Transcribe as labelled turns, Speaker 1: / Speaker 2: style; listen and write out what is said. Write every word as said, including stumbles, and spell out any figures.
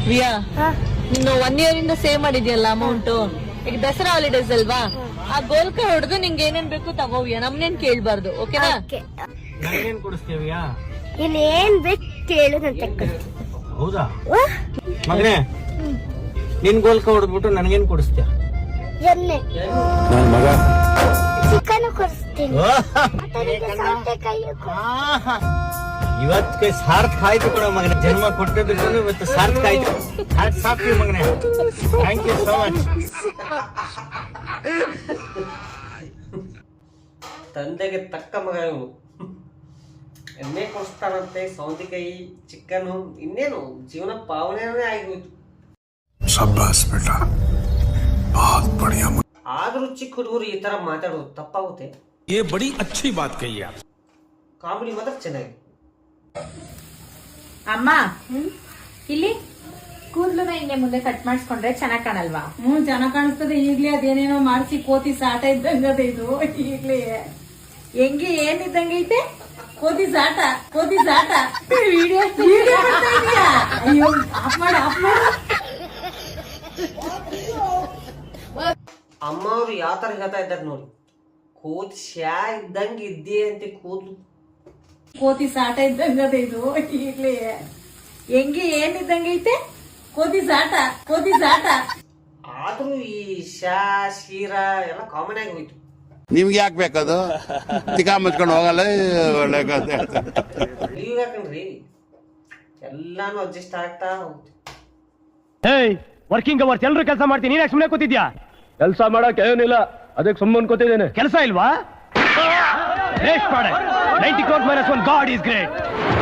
Speaker 1: ವಿಯಾ ನೀನು one year ಇಂದ save ಮಾಡಿದ್ಯಲ್ಲ ಅಮೌಂಟ್, ಈಗ ದಸರಾ ಹಾಲಿಡೇಸ್ ಅಲ್ವಾ, ಆ ಗೋಲ್ಕ ಹೊಡೆದು ನಿಂಗೆ ಏನೇನ್ ಬೇಕು ತಗೋವಿಯಾ, ನಮ್ನೇನ್ ಕೇಳ್ಬಾರ್ದು. ಓಕೆನಾ?
Speaker 2: ನನಗೇನ್ ಕೊಡಿಸ್ತೀವಿಯಾ?
Speaker 3: ಇಲ್ಲಿ ಏನ್ ಬೇಕು ಕೇಳು ನಾನು ತೆಕ್ಕೊಡ್ತೀನಿ.
Speaker 2: ಹೌದಾ ಮಗನೇ? ನಿನ್ ಗೋಲ್ಕ ಹೊಡೆದ್ಬಿಟ್ಟು ನನಗೇನ್ ಕೊಡಿಸ್ತೀಯ?
Speaker 3: ಎಣ್ಣೆ ಚಿಕನ್ ಕೊಡಿಸ್ತೀನಿ.
Speaker 2: ಇವತ್ತು ಸಾರ್ಥಕ ಆಯ್ತು ಕೂಡ ಮಗನೇ, ಜನ್ಮ ಕೊಟ್ಟಿದ್ರು ಇವತ್ತು ಸಾರ್ಥಕ ಆಯ್ತು. ಸಾಕು ಮಗನೇ, ಥ್ಯಾಂಕ್ ಯು ಸೋ ಮಚ್.
Speaker 4: ತಂದೆಗೆ ತಕ್ಕ ಮಗ ಇವನು. ಎಣ್ಣೆ ಕೊಡಿಸ್ತಾರಂತೆ, ಸೌಂತಿಕಾಯಿ, ಚಿಕನ್, ಇನ್ನೇನು ಜೀವನ ಪಾವನೆ ಆಗೋಯ್ತು. ಆದ್ರೂ ಚಿಕ್ಕ ಹುಡುಗರು ಈ ತರ ಮಾತಾಡೋದು ತಪ್ಪಾಗುತ್ತೆ.
Speaker 5: ये बड़ी अच्छी बात कही आप.
Speaker 4: ಕಾಮಿಡಿ ಮಾತ್ರ ಚೆನ್ನಾಗಿ.
Speaker 6: ಅಮ್ಮ ಇಲ್ಲಿ ಕೂದಲುನ ಹಿಂಗೆ ಮುಂದೆ ಕಟ್ ಮಾಡಿಸ್ಕೊಂಡ್ರೆ ಚೆನ್ನಾಗ್ ಕಾಣಲ್ವಾ?
Speaker 7: ಹ್ಮ್ ಚೆನ್ನಾಗ್ ಕಾಣಿಸ್ತದೆ. ಈಗ್ಲೇ ಅದೇನೇನೋ ಮಾಡಿಸಿ ಕೋತಿ ಸಾಟ ಇದ್ದಂಗ ಇದು. ಈಗ್ಲೇ
Speaker 6: ಹೆಂಗೆ ಏನಿದ್ದಂಗೆ ಐತೆ?
Speaker 7: ಕೋತಿ ಸಾಟ ಕೋತಿ ಸಾಟ ವಿಡಿಯೋ ವಿಡಿಯೋ ಮಾಡ್ತಾ ಇದೀಯಾ? ಅಯ್ಯೋ ಆಫ್ ಮಾಡು ಆಫ್ ಮಾಡು.
Speaker 4: ಅಮ್ಮ ಅವ್ರು ಯಾವ ತರ ಹೇಳ್ತಾ ಇದ್ದಾರೆ ನೋಡಿ, ಕೋತಿ ಶಾ ಇದ್ದಂಗ ಇದ್ದೇ ಅಂತ ಕೂದ್ಲು.
Speaker 7: ಕೋತಿ ಸಾಟ ಇದ್ದಂಗ ಇದು. ಈಗ್ಲೇ
Speaker 6: ಹೆಂಗೆ ಏನಿದ್ದಂಗೆ ಐತೆ?
Speaker 7: ಕೋತಿ ಸಾಟ ಕೋತಿ ಸಾಟ.
Speaker 4: ಆದ್ರೂ ಈ ಶಾ ಶೀರ ಎಲ್ಲ ಕಾಮನ್ ಆಗಿ ಹೋಯ್ತು.
Speaker 8: ನಿಮ್ಗೆ ಯಾಕೆ ಬೇಕದು? ತಿಕಾ ಮುಚ್ಕೊಂಡು ಹೋಗಲ್ಲ. ಒಳ್ಳೆ ಕಥೆ.
Speaker 4: ಲೀವ್ ಯಾಕಂದ್ರಿ ಎಲ್ಲಾನು ಅಡ್ಜಸ್ಟ್ ಆಗ್ತಾ ಹೋಗ್ತು.
Speaker 9: ಏಯ್, ವರ್ಕಿಂಗ್ ಅವರ್ಸ್ ಎಲ್ರು ಕೆಲಸ ಮಾಡ್ತೀನಿ, ನೀನ್ ಸುಮ್ಮನೆ ಕೂತಿದ್ಯಾ? ಕೆಲಸ ಮಾಡಕ್ ಏನಿಲ್ಲ, ಅದಕ್ಕೆ ಸುಮ್ಮನೆ ಕೂತಿದ್ದೇನೆ. ಕೆಲಸ ಇಲ್ವಾ? ವೇಸ್ಟ್ ಮಾಡ. Ninety crore minus one God is great.